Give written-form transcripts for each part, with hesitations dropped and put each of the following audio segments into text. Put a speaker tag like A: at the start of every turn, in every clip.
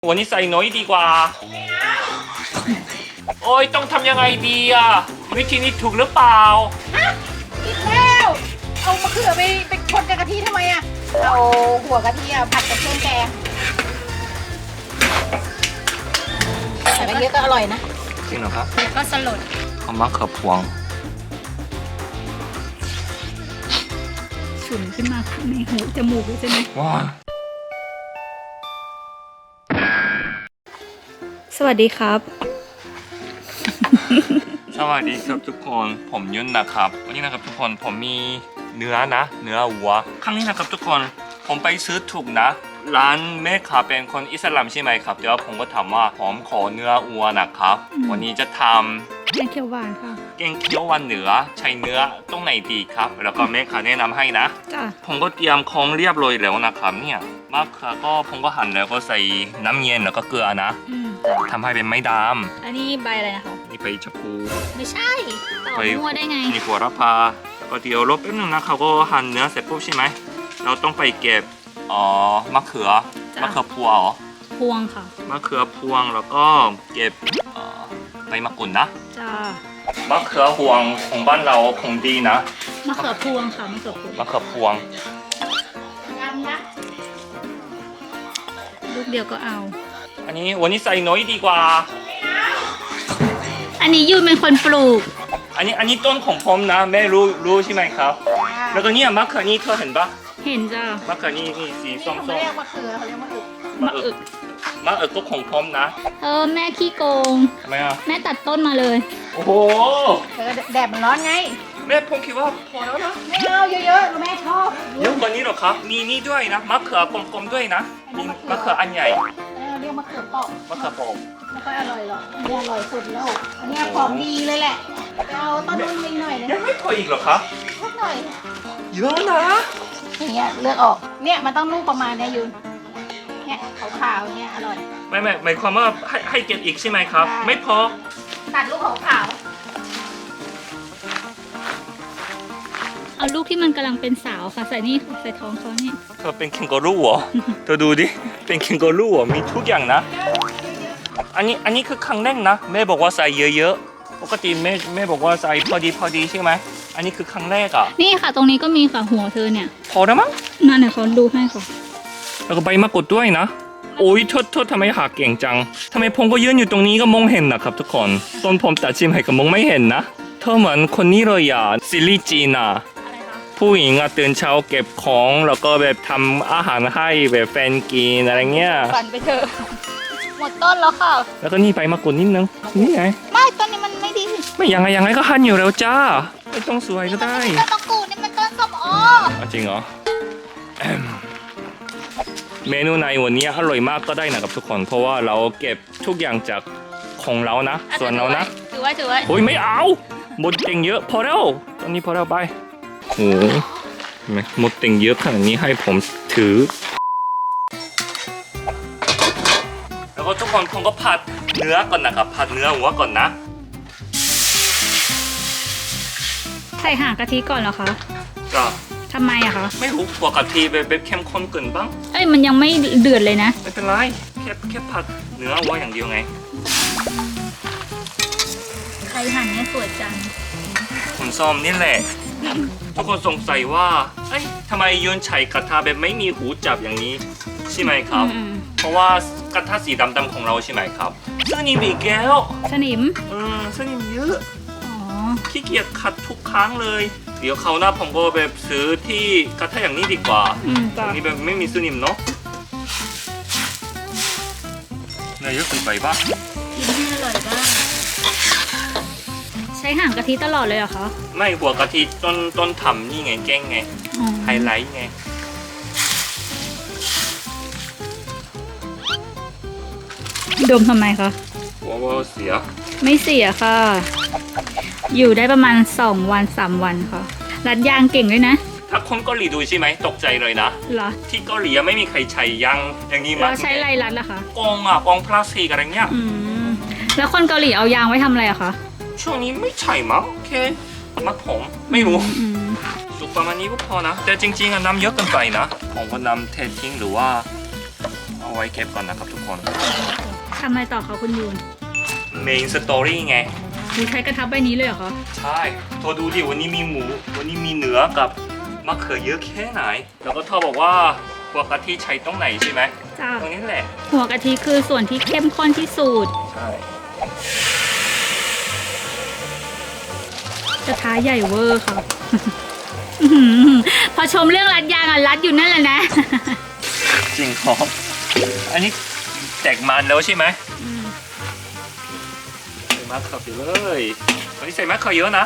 A: วันนี้ใส่น้อยดีกว่าโอ้ยต้องทำยังไงดีอ่ะวิธีนี้ถูกหรือเปล่า
B: ผิดแล้วเอามะเขือไปคนกับกะทิทำไมอ่ะเอาหัวกะทิผัดกับเครื่องแกงใส่ไปเยอะก็อร่อยนะ
A: จริงเหรอครับ
B: แล้วก็สลด
A: เอามะเขือพวง
B: ฉุนขึ้นมาในหูจมูกใช่ไหม
A: ว้า
B: สวัสดีครับ
A: สวัสดีครับทุกคนผมยุ่นนะครับวันนี้นะครับทุกคนผมมีเนื้อวัวครั้งนี้นะครับทุกคนผมไปซื้อถูกนะร้านแม่ค้าเป็นคนอิสลามใช่ไหมครับเดี๋ยวผมก็ถามว่าผมขอเนื้อวัวนะครับวันนี้จะทำ
B: แกงเขียวหวานค่ะ
A: แกงเขียวหวานเหนือใช้เนื้อตรงไหนดีครับแล้วก็แม่ค้าแนะนำให้นะผมก็เตรียมของเรียบร้อยแล้วนะครับเนี่ยมะเขือก็ผมก็หั่นแล้วก็ใส่น้ำเย็นแล้วก็เกลือนะทำให้เป็นไม้ดำ
B: อันนี้ใบอะไรนะคะ
A: นี่ใบชะพู
B: ไม่ใช่ต่อมั่วได้ไง
A: นี่หัวระพาแล้วก็เดี๋ยวรบแป๊บนึงนะเขาก็หั่นเนื้อเสร็จปุ๊บใช่ไหมเราต้องไปเก็บมะเขือพวงเหรอ
B: พวงค่ะ
A: มะเขือพวงแล้วก็เก็บใบมะกรูดนะ
B: จ้าม
A: ะเขือพวงของบ้านเราคงดีนะ
B: มะเขือพวงค่ะมะเขือ
A: พวง
B: ยำนะลูกเดียวก็เอา
A: อันนี้วันนี้ใส่น้อยดีกว่า
B: อันนี้ยูนเป็นคนปลูก
A: อันนี้ต้นของผมนะแม่รู้ใช่ไหมครับแล้วก็เนี่ยมะเขือนี่เธอเห็นปะ
B: เห็นจ้าม
A: ะเขือนี่สีส้มๆเขาเรียก
B: มะเขือเขาเรียกมะอึก
A: ก็ของผมนะ
B: แม่ขี้โกง
A: ทำไมอ่ะ
B: แม่ตัดต้นมาเลย
A: โอ้โห
B: แดดมันร้อนไง
A: แม่ผมคิดว่าพอแล้วนะ
B: ไม่เอาเยอะๆแม่ชอบ
A: เยอะกว่านี้หรอครับมีนี่ด้วยนะมะเขือกลมๆด้วยนะมีมะเขืออันใหญ่
B: เรียกมะเขือเปาะ
A: มะเขือเปาะ
B: ไม่ค่อยอร่อยหรอกนี่อร่อยสุดแล้วอันนี้ของดีเลยแหละเอาต้นนุ่มนิดหน่อยนะ
A: ยังไม่พออีกหรอครับ
B: นิดหน่อย
A: เยอะนะ
B: อย่างเงี้ยเลือกออกเนี่ยมันต้องนุ่มประมาณนี้ยุนเนี่ยขาวๆเนี่ยอร่อย
A: ไม่หมายความว่าให้เก็บอีกใช่ไหมครับไม่พอ
B: ตัดลูกขาวเอาลูกที่มันกำลังเป็นสาวค่ะใส่นี่ใส่ท้องเขาเนี่ย
A: เธอเป็นแคนการูเหรอเธอดูดิเป็นแคนการูเหรอมีทุกอย่างนะอันนี้คือครั้งแรกนะแม่บอกว่าใส่เยอะๆปกติแม่บอกว่าใส่พอดีใช่ไหมอันนี้คือครั้งแรกอ่ะ
B: นี่ค่ะตรงนี้ก็มีค่ะหัวเธอเนี่ย
A: พอแล้วมั้ง
B: นั่นเนี่ยเขาดูให้ค่ะ
A: แล้วก็ใบมะกรูดด้วยนะโอ้ยโทษทำไมหาเก่งจังทำไมผมก็ยืนอยู่ตรงนี้ก็มองเห็นนะครับทุกคนตอนผมตัดชิมให้ก็มองไม่เห็นนะเธอเหมือนคนนี้เลยอ่ะซิลิจีน่ะผู้หญิงอ่ะตื่นเช้าเก็บของแล้วก็แบบทำอาหารให้แบบแฟนกินอะไรเงี้ย
B: ฝันไปเถอะหมดต้นแล้วค่ะ
A: แล้วก็นี่ใบมะกรูดนิดนึงนี่ไง
B: ไม่ต้นนี้มันไม่ดี
A: ไม่ยังไงก็หั่นอยู่แล้วจ้าไม่ต้องสวยก็ได้
B: ต้นมะกรูดนี่มันต้นส้มโอ
A: จริงเหรอเมนูในวันนี้อร่อยมากก็ได้นะครับทุกคนเพราะว่าเราเก็บทุกอย่างจากของเรานะส่วนเรานะ
B: ถือไว้
A: โอ้ยไม่เอาหมดเต็งเยอะพอแล้วตอนนี้พอแล้วไปโอ้หมดเต็งเยอะขนาดนี้ให้ผมถือแล้วก็ทุกคนผมก็ผัดเนื้อก่อนนะครับผัดเนื้อหัวก่อนนะ
B: ใส่ห่างกะทิก่อนเหรอคะ
A: จ้ะ
B: ทำไมอะคะ
A: ไม่รู้หัวกะทิแบบเข้มข้นเกินบ้าง
B: มันยังไม่เดือดเลยนะ
A: ไม่เป็นไรแค่ผัดเนื้อหัวอย่างเดียวไง
B: ใครหั่นเนี่ยสวยจัง
A: ผมซ้อมนี่แหละทุกคนสงสัยว่าทำไมโยนไฉกระทะแบบไม่มีหูจับอย่างนี้ใช่ไหมครับเพราะว่ากระทะสีดำๆของเราใช่ไหมครับสนิมอีกแล้ว
B: สนิม
A: สนิมเยอะขี้เกียจขัดทุกครั้งเลยเดี๋ยวเขาหน้าผมก็แบบซื้อที่กระทะอย่างนี้ดีกว่าอันนี้แบบไม่มีสนิมเนาะนายเยอะเกินไปป่ะ
B: กินให้อร่อยบ้างใช้ห่างกะทิตลอดเลยเหรอคะ
A: ไม่หัวกะทิต้นทำนี่ไงแกงไงไฮไลท์ไง
B: ดมทำไมคะ
A: ว่าเสีย
B: ไม่เสียค่ะอยู่ได้ประมาณ2 วัน3 วันค่ะรัดยางเก่งด้วยนะ
A: ถ้าคนเกาหลีดูใช่ไหมตกใจเลยนะ
B: เหรอ
A: ที่เกาหลีไม่มีใครใช้ยางอย่างนี้มา
B: เราใช้อะไรรัดล่ะคะ
A: กองพลาสติกอะไรเงี้ย
B: แล้วคนเกาหลีเอายางไว้ทำอะไรอะคะ
A: ช่วงนี้ไม่ใช่มั้งโอเคมัดผมไม่รู้สุกประมาณนี้ก็พอนะแต่จริงๆน้ำเยอะเกินไปนะผมก็นำเททิ้งหรือว่าเอาเอาไว้เก็บก่อนนะครับทุกคน
C: ทำอะไรต่อคะคุณยูน
A: เมนสตอรี่ไง
C: มีใช้กระทะใบนี้เลยเหรอคะ
A: ใช่เธอดูดิวันนี้มีหมู วันนี้มีเนื้อกับมะเขือเยอะแค่ไหน แล้วก็เธอบอกว่าหัวกะทิใช้ตรงไหนใช่ไหม
C: จ้า
A: ตรงนี้แหละ
C: หัวกะทิคือส่วนที่เข้มข้นที่สุด
A: ใช่
C: กระทะใหญ่เวอร์ค่ะ อื้อหือพอชมเรื่องรัดยางอ่ะรัดอยู่นั่นแหละนะ
A: จริงเหรออันนี้แตกมันแล้วใช่ไหมใส่มะเขือไปเลยวันนี้ใส่มะเขือเยอะนะ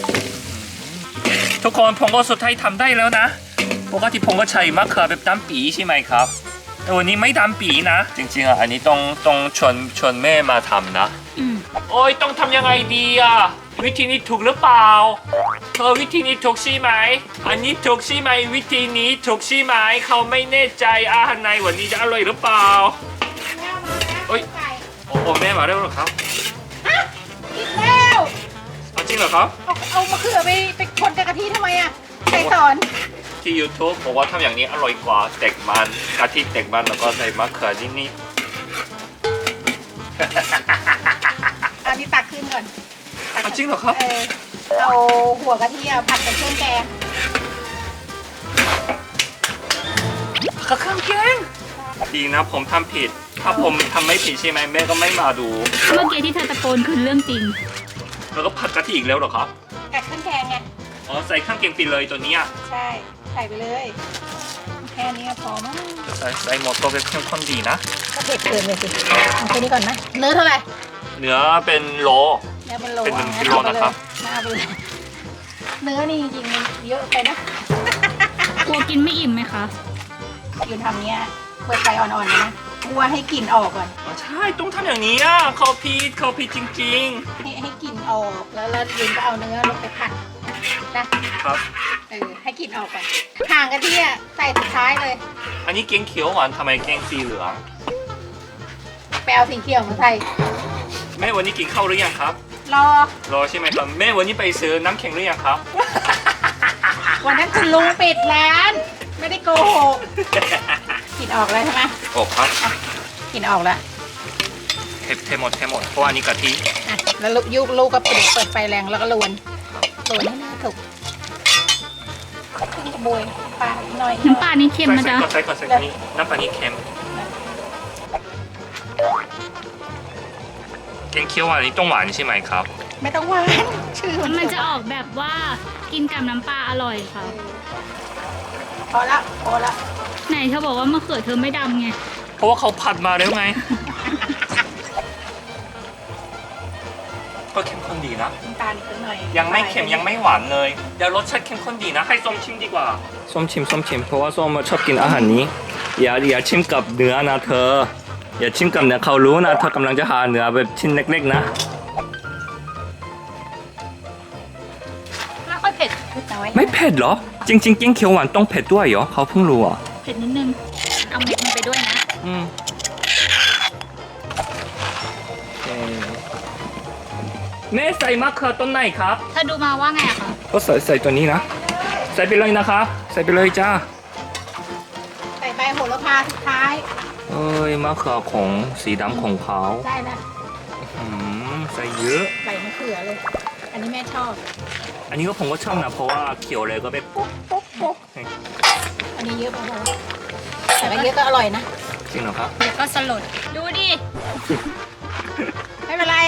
A: ทุกคนผมก็สุดท้ายทำได้แล้วนะปกติผมก็ใช้มะเขือแบบดำปีใช่ไหมครับ แต่วันนี้ไม่ดำปีนะ จริงๆอ่ะอันนี้ต้องชวนแม่มาทำนะ โอ้ยต้องทำยังไงดีอ่ะวิธีนี้ถูกหรือเปล่าเธอวิธีนี้ถูกใช่ไหมอันนี้ถูกใช่ไหมวิธีนี้ถูกใช่ไหมเขาไม่แน่ใจอาหารในวันนี้จะอร่อยหรือเปล่า
B: แม่เอามาแล้ว
A: โอ้ย
B: ไก่
A: โอ้แม่มาแล้วเหรอครับ
B: ฮะกินแล้ว
A: เอาจริงเหรอครับ
B: เอามะเขือไปคนกับกะทิทำไมอ่ะใครสอน
A: ที่ YouTube บอกว่าทำอย่างนี้อร่อยกว่าแตกมันกะทิแตกมันแล้วก็ใส่มะเขือนิด
B: อันนี้ตักขึ้นก่อนตัก
A: เอาจริงเหรอครับ
B: เอาหัวกะทิอะผัดกับเครื่องแกง
A: ๆข้าวแกงดีนะผมทำผิด ถ้าผมทำไม่ผิดใช่ไหมแม่ก็ไม่มาดู
C: เมื่อกี้ที่เธอตะโกนคือเรื่องจริง
A: แล้วก็ผัดกะทิอีกแล้วเหรอครับ
B: กับเครื่องแกงไง
A: อ๋อใส่ข้างเกงไปเลยตัวเนี้ย
B: ใช่ใส่ไปเลยแค่นี้ก็พอมั้ง
A: ใส่หมดตัวเป็นเข้มข้นดีนะ
B: ก็เผ็ดเกินเลยสิเอาแค่นี้ก่อนนะเนื้อเท่าไหร่
A: เนื้อเป็นโล
B: เนื้อเป็นโล
A: เป็นหนึ่ง
B: งั้
A: กิโลนะครับ
B: เอาไปเลยเนื้อนี่จริงๆมันเยอะไปนะ
C: กลัวกินไม่อิ่มไหมคะ
B: ยืนทำเนี้ยเปิดไฟอ่อนๆเลยนะกลัวให้กลิ่นออกก่อน
A: อ๋อใช่ต้องทำอย่างนี้อ่ะเขาผิดจริง
B: ให้กลิ่นออกแล้วยืนก็เอาเนื้อลงไปผัดนะครับ ให้กลิ่นออกก่อนห่างกะทิอะใส่สุดท้ายเลย
A: อันนี้เกงเขียวหวานทำไมเกงสีเหลือง
B: ไปเอาสีเขียวมาใส่
A: แม่วันนี้กินข้าวหรือยังครับ
B: รอ
A: รอใช่ไหมครับแม่วันนี้ไปซื้อน้ำแข็งหรือยังครับ
B: วันนั้นคุณลุงปิดร้าน ไม่ได้โกหกกลิ่นออกแล้วใช่ไหม
A: โอ้ครับ
B: กลิ่นออกแล้ว
A: เทหมดเพราะว่าอันนี้กะทิ
B: อ่ะแล้วลูกก็เปิดไฟแรงแล้วก็ลวนให้เนื้อถูกขึ้นกระบวยปลาหน่อย
C: น้ำปลานี่เค็มนะจ๊ะ
A: ใส่ก่อนอันนี้น้ำปลานี้เค็มเกงเขียวหวานนี้ต้องหวานใช่ไหมครับ
B: ไม่ต้องหวานชื่อ
C: มันจะออกแบบว่ากินกับน้ำปลาอร่อยค่ะ
B: พอละ
C: ไหนเธอบอกว่ามะเขือเธอไม่ดำไง
A: เพราะว่าเขาผัดมาแล้วไง ก็เข้มข้นดีนะ
B: น้ำตาลอีกหน่อย
A: ยังไม่เค็มยังไม่หวานเลยเดี๋ยวรสชาติเข้มข้นดีนะ ให้ส้มชิมดีกว่าส้มชิมเพราะว่าส้มชอบกินอาหารนี้อย่าชิมกับเนื้อนะเธอ อย่าชิมกับเนื้อเขารู้นะเธอกำลังจะหาเนื้อแบบชิ้นเล็กๆนะ
B: ไม่ค่อยเผ็ดน้อย
A: ไม่เผ็ดเหรอ จริงๆเกงเขียวหวานต้องเผ็ดด้วยเหรอเขาเพิ่งรู้อ่ะ
C: เผ็ดนิดนึง เอาเม็ดมันไปด้วยนะ
A: แม่ใส่มะเขือต้นไหนครับ
C: เธอดูมาว่าไงอะคะ
A: ก็ใส่ตัวนี้นะ ใส่ไปเลยนะครับใส่ไปเลยจ้า
B: ใส่ใบโหระพาสุดท้าย
A: เอ้ยมะเขือของสีดำของเขา
B: ได้นะ
A: ใส่เยอะ
B: ใส่มะเขือเลย อันนี้แม่ชอบ
A: อันนี้ก็ผมก็ชอบนะเพราะว่าเขียวเลยก็ไปปุ๊บ
B: ปุ๊บอันนี้เยอะไปพอแต่ว่าเยอะก็อร่อยนะ
A: จริงเหรอครับ
C: เดี๋ยวก็สลด ดูดิ
B: ไม่เป็นไร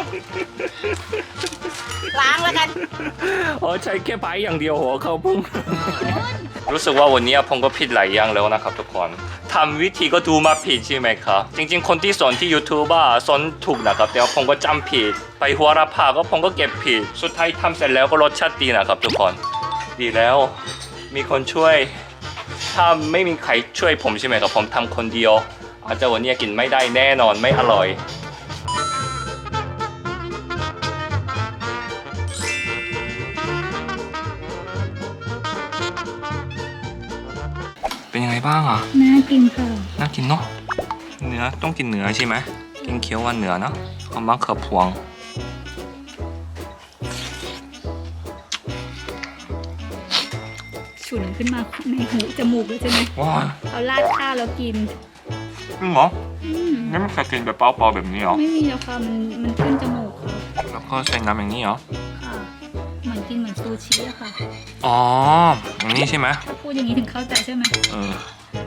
B: ล้างแล้วกัน
A: อ๋อใช้แค่ใบอย่างเดียวหัวเขาพุ่ง รู้สึกว่าวันนี้ผมก็ผิดหลายอย่างแล้วนะครับทุกคนทำวิธีก็ดูมาผิดใช่ไหมครับ จริงๆคนที่สอนที่ YouTube สอนถูกนะครับแต่ว่าผมก็จำผิด ไปหัวระพาก็ผมก็เก็บผิด สุดท้ายทำเสร็จแล้วก็รสชาติดีนะครับทุกคน ดีแล้ว มีคนช่วย ถ้าไม่มีใครช่วยผมใช่ไหมครับผมทำคนเดียว อาจจะวันนี้กินไม่ได้แน่นอนไม่อร่อย เป็นยังไงบ้างอ่ะ
C: น่ากินค่ะ
A: น่ากินเนาะ เนื้อต้องกินเนื้อใช่ไหมกินเคี้ยวว่าเนื้อเนาะเอามะเขือพวง
C: ฉุนขึ้นมาในหูจมูกเลยใช่ไหม
A: ว้า
C: เอาราดข้าวแล้วกิน
A: รจริงเหรอ
C: อืม
A: ไม่เคยกินแบบเปล่าๆแบบนี้เหรอ
C: ไม่มีแล้วค่ะมันขึ้นจมูกค่ะ
A: แล้วก็ใส่น้ำอย่างนี้เหรอ
C: ค่ะเหมือนกินเหมือนซูชิอะค่ะ
A: อ๋ออย่างนี้ใช่ไหม
C: ถ้าพูดอย่างนี้ถึงเข้าใจใช่ไหม
A: เออ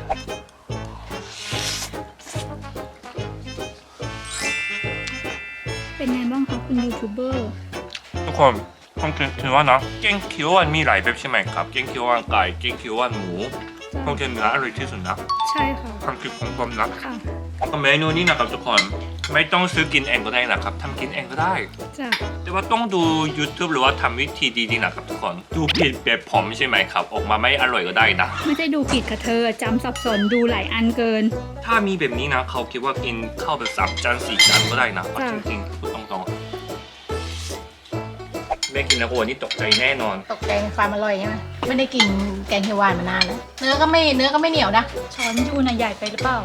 C: เป็นไงบ้างคะคุณยูทูบเบอร์
A: ทุกคนผมคิดว่านะแกงเขียวหวานมีหลายแบบใช่ไหมครับแกงเขียวหวานไก่แกงเขียวหวานหมูผมคิดเนื้ออร่อยที่สุดนะ
C: ใช่ค่ะ
A: ความคิดของผมนะ
C: ค่ะ
A: เมนูนี้นะครับทุกคนไม่ต้องซื้อกินเองก็ได้นะครับทำกินเองก็ได้
C: จ้ะ
A: แต่ว่าต้องดู YouTube หรือว่าทำวิธีดีๆนะครับทุกคนดูผิดแบบผมใช่ไหมครับ ออกมาไม่อร่อยก็ได้นะ
C: ไม่ได้ดูผิดค่ะเธอจำสับสนดูหลายอันเกิน
A: ถ้ามีแบบนี้นะเขาคิดว่ากินข้าวแบบ3 จาน 4 จานก็ได้นะเอา
C: จ้ะ
A: จริงๆพูดตรงๆแม่กินแล้วโอ้นี่ตกใจแน่นอน
B: ตกใจในความอร่อยใช่ไหมไม่ได้กินแกงเขียวหวานมานานแล้วเนื้อก็ไม่เหนียวนะ
C: ช้อนยูน่ะใหญ่ไปหรือเปล่า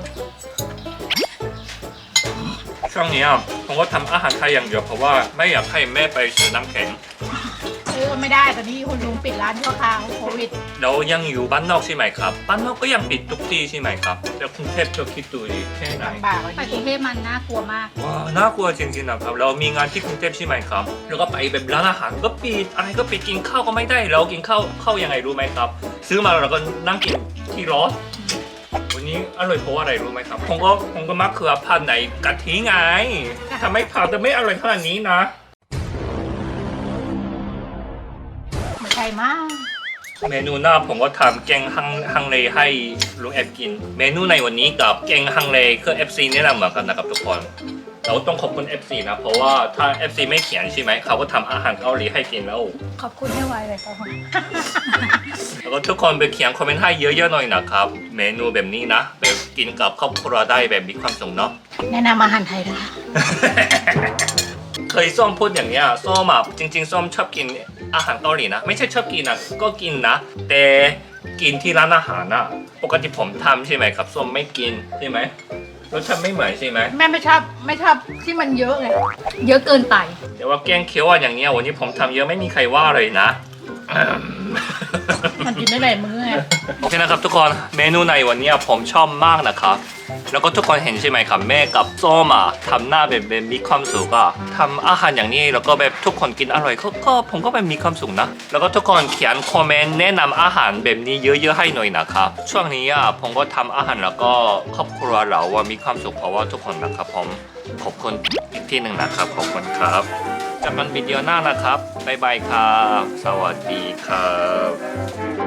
A: ช่วงนี้ผมก็ทำอาหารไทยอย่างเดียวเพราะว่าไม่อยากให้แม่ไปซื้อน้ำแข็ง
B: ซื้อไม่ได้ตอนนี้คุณลุงปิดร้านชั่วคราวโควิด
A: แล้วยังอยู่บ้านนอกใช่ไหมครับบ้านนอกก็ยังปิดทุกที่ใช่ไหมครับแล้วกรุงเทพเธอคิดดูดิแค่ไหน
B: ลำบากเลย
C: ไปกรุงเทพมันน่ากลัวมาก
A: ว้าวน่ากลัวจริงๆนะครับเรามีงานที่กรุงเทพใช่ไหมครับแล้วก็ไปแบบร้านอาหารก็ปิดอะไรก็ปิดกินข้าวก็ไม่ได้แล้วกินข้าวยังไงรู้ไหมครับ ซื้อมาแล้วก็นั่งกินที่รถวันนี้อร่อยเพราะว่าอะไรรู้ไหมครับผมก็มะเขือพันธุ์ไหนกะทิไงทำให้ผัดแต่ไม่อร่อยขนาดนี้นะ
B: ไม่ใช่มาก
A: เมนูหน้าผมก็ทำแกงฮังเลให้ลุงแอบกิน เมนูในวันนี้กับแกงฮังเลคือ FC แนะนำเหมือนกันนะครับทุกคนเราต้องขอบคุณ FC นะเพราะว่าถ้า FC ไม่เขียนใช่ไหมเขาก็ทำอาหารเกาหลีให้กินแล้ว
B: ขอบคุณให้ไวเลยครับ
A: แล้วก็ทุกคนไปเขียนคอมเมนต์ให้เยอะๆหน่อยนะครับ เมนูแบบนี้นะแบบกินกับครอบครัวได้แบบมีความสุขเนาะ
B: แนะนำอาหารไทยนะคะ
A: เคยส้มพูดอย่างเนี้ยส้มจริงๆส้มชอบกินอาหารเกาหลีนะไม่ใช่ชอบกินนะก็กินนะแต่กินที่ร้านอาหารนะปกติผมทำใช่ไหมครับส้มไม่กินใช่ไหมรสชาติไม่เหมือนใช่ไหม
B: แม่ไม่ชอบที่มันเยอะไง
C: เยอะเกินไป
A: แต่ว่าแกงเขียวหวานอย่างเนี้ยวันนี้ผมทำเยอะไม่มีใครว่าเลยนะ
B: มันกินได้หลายมื้อไง
A: โอเคนะครับทุกคนเมนูในวันนี้ผมชอบมากนะครับแล้วก็ทุกคนเห็นใช่ไหมครับแม่กับส้มทำหน้าแบบมีความสุขทำอาหารอย่างนี้แล้วก็แบบทุกคนกินอร่อยก็ผมก็แบบมีความสุขนะแล้วก็ทุกคนเขียนคอมเมนต์แนะนำอาหารแบบนี้เยอะๆให้หน่อยนะครับช่วงนี้ผมก็ทำอาหารแล้วก็ครอบครัวเราว่ามีความสุขเพราะว่าทุกคนนะครับผมขอบคุณอีกที่หนึ่งนะครับขอบคุณครับเจอกันวิดีโอหน้านะครับบ๊ายบายครับสวัสดีครับ